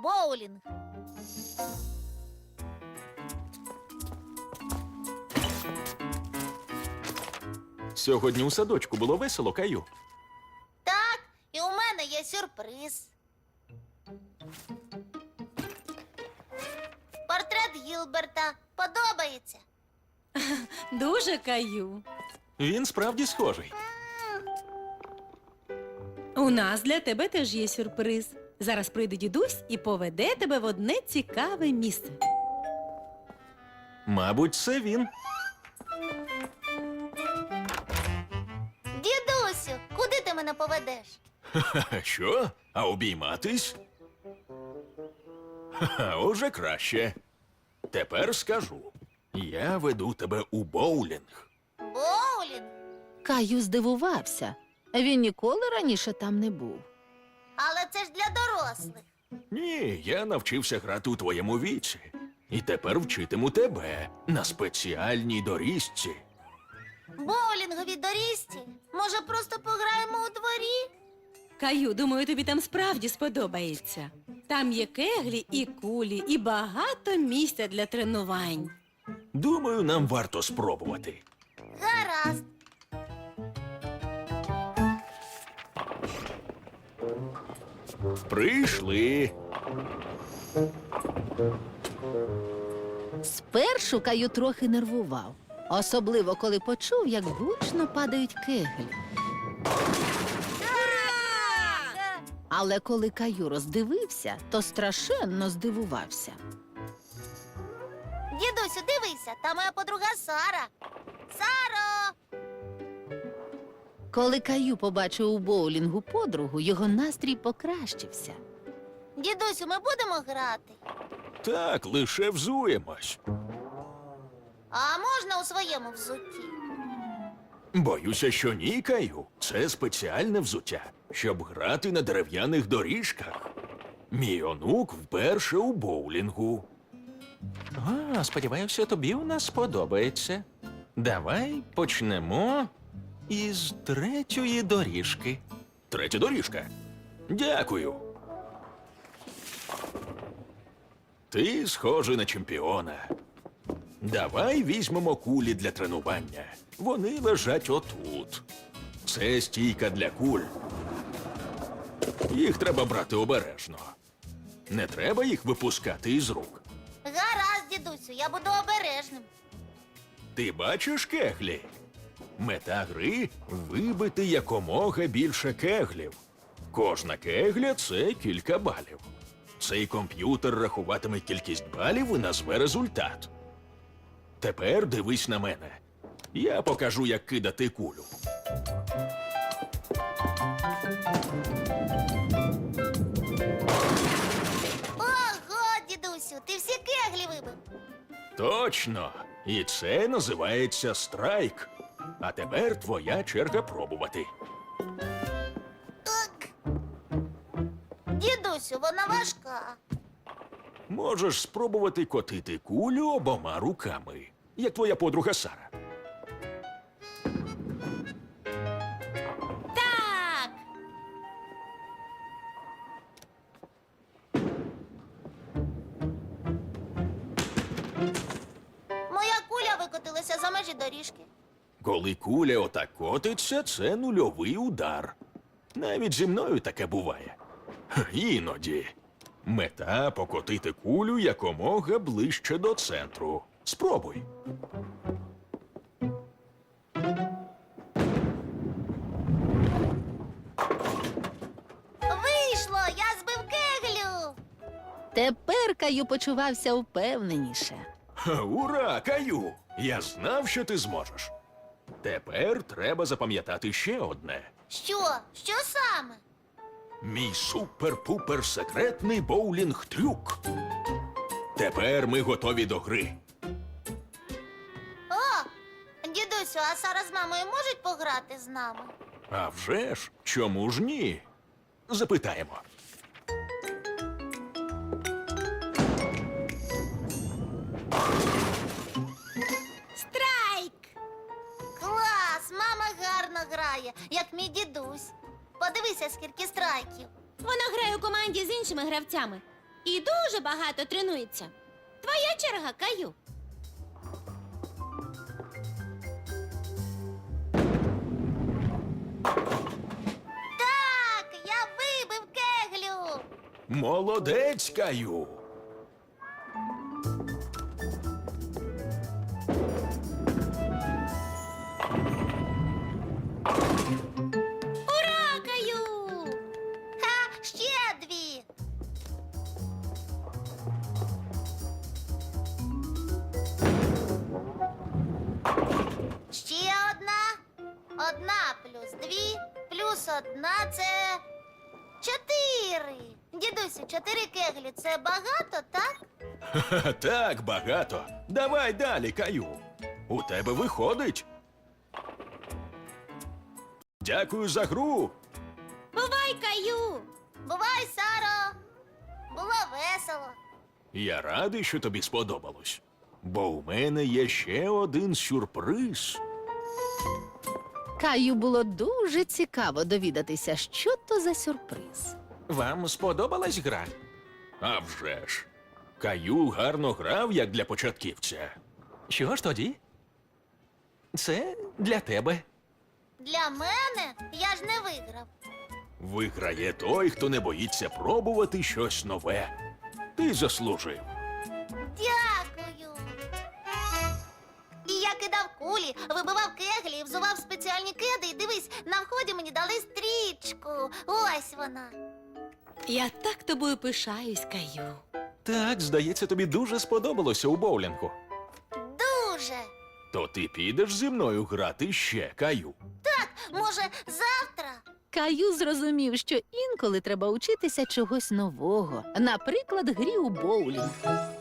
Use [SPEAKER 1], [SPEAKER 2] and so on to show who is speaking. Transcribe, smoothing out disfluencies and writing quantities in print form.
[SPEAKER 1] боулінг.
[SPEAKER 2] Сьогодні у садочку було весело, Каю.
[SPEAKER 1] Так, і у мене є сюрприз. Портрет Гілберта. Подобається?
[SPEAKER 3] Дуже, Каю.
[SPEAKER 2] Він справді схожий.
[SPEAKER 3] У нас для тебе теж є сюрприз. Зараз прийде дідусь і поведе тебе в одне цікаве місце.
[SPEAKER 2] Мабуть, це він.
[SPEAKER 1] Дідусю, куди ти мене поведеш?
[SPEAKER 2] Ха-ха, що? А обійматись? Ха-ха, уже краще. Тепер скажу. Я веду тебе у боулінг.
[SPEAKER 1] Боулінг?
[SPEAKER 4] Каю здивувався. Він ніколи раніше там не був.
[SPEAKER 1] Але це ж для дорослих.
[SPEAKER 2] Ні, я навчився грати у твоєму віці. І тепер вчитиму тебе на спеціальній доріжці.
[SPEAKER 1] Боулінгові доріжці? Може, просто пограємо у дворі?
[SPEAKER 3] Каю, думаю, тобі там справді сподобається. Там є кеглі і кулі, і багато місця для тренувань.
[SPEAKER 2] Думаю, нам варто спробувати.
[SPEAKER 1] Гаразд.
[SPEAKER 2] Прийшли.
[SPEAKER 4] Спершу Каю трохи нервував. Особливо, коли почув, як гучно падають кеглі. Але коли Каю роздивився, то страшенно здивувався.
[SPEAKER 1] Дідусю, дивися, там моя подруга Сара. Саро!
[SPEAKER 4] Коли Каю побачив у боулінгу подругу, його настрій покращився.
[SPEAKER 1] Дідусю, ми будемо грати?
[SPEAKER 2] Так, лише взуємось.
[SPEAKER 1] А можна у своєму взутті?
[SPEAKER 2] Боюся, що ні, Каю. Це спеціальне взуття, щоб грати на дерев'яних доріжках. Мій онук вперше у боулінгу. Сподіваюся, тобі у нас сподобається. Давай почнемо із третьої доріжки. Третя доріжка? Дякую. Ти схожий на чемпіона. Давай візьмемо кулі для тренування. Вони лежать отут. Це стійка для куль. Їх треба брати обережно. Не треба їх випускати із рук.
[SPEAKER 1] Гаразд, дідусю, я буду обережним.
[SPEAKER 2] Ти бачиш кеглі? Мета гри – вибити якомога більше кеглів. Кожна кегля – це кілька балів. Цей комп'ютер рахуватиме кількість балів і назве результат. Тепер дивись на мене. Я покажу, як кидати кулю.
[SPEAKER 1] Ого, дідусю, ти всі кеглі вибив.
[SPEAKER 2] Точно! І це називається страйк. А тепер твоя черга пробувати.
[SPEAKER 1] Так. Дідусю, вона важка.
[SPEAKER 2] Можеш спробувати котити кулю обома руками, як твоя подруга Сара.
[SPEAKER 1] Так. Моя куля викотилася за межі доріжки.
[SPEAKER 2] Коли куля отак котиться, це нульовий удар. Навіть зі мною таке буває. Іноді. Мета – покотити кулю якомога ближче до центру. Спробуй.
[SPEAKER 1] Вийшло, я збив кеглю.
[SPEAKER 4] Тепер Каю почувався впевненіше.
[SPEAKER 2] Ура, Каю! Я знав, що ти зможеш. Тепер треба запам'ятати ще одне.
[SPEAKER 1] Що? Що саме?
[SPEAKER 2] Мій супер-пупер секретний боулінг-трюк. Тепер ми готові до гри.
[SPEAKER 1] О, дідусю, а Сара з мамою можуть пограти з нами?
[SPEAKER 2] А вже ж, чому ж ні? Запитаємо.
[SPEAKER 3] Страйк!
[SPEAKER 1] Клас! Мама гарно грає, як мій дідусь. Подивися, скільки страйків.
[SPEAKER 5] Вона грає у команді з іншими гравцями.
[SPEAKER 1] І дуже багато тренується. Твоя черга, Каю. Так, я вибив кеглю.
[SPEAKER 2] Молодець, Каю.
[SPEAKER 1] Ура, Каю! Ха, ще дві. Ще одна. Одна плюс дві, плюс одна це 4. Дідусю, 4 кеглі це багато, так?
[SPEAKER 2] Ха-ха, так багато. Давай далі, Каю. У тебе виходить. Дякую за гру.
[SPEAKER 1] Бувай, Каю! Бувай, Саро! Було весело.
[SPEAKER 2] Я радий, що тобі сподобалось. Бо у мене є ще один сюрприз.
[SPEAKER 4] Каю було дуже цікаво довідатися, що то за сюрприз.
[SPEAKER 2] Вам сподобалась гра? А вже ж. Каю гарно грав, як для початківця.
[SPEAKER 5] Що ж тоді? Це для тебе.
[SPEAKER 1] Для мене я ж не виграв.
[SPEAKER 2] Виграє той, хто не боїться пробувати щось нове. Ти заслужив.
[SPEAKER 1] Дякую. І я кидав кулі, вибивав кеглі, взував спеціальні кеди. І дивись, на вході мені дали стрічку. Ось вона.
[SPEAKER 3] Я так тобою пишаюсь, Каю.
[SPEAKER 5] Так, здається, тобі дуже сподобалося у боулінгу.
[SPEAKER 1] Дуже.
[SPEAKER 2] То ти підеш зі мною грати ще, Каю.
[SPEAKER 1] Може, завтра?
[SPEAKER 4] Каю зрозумів, що інколи треба учитися чогось нового, наприклад, грі у боулінг.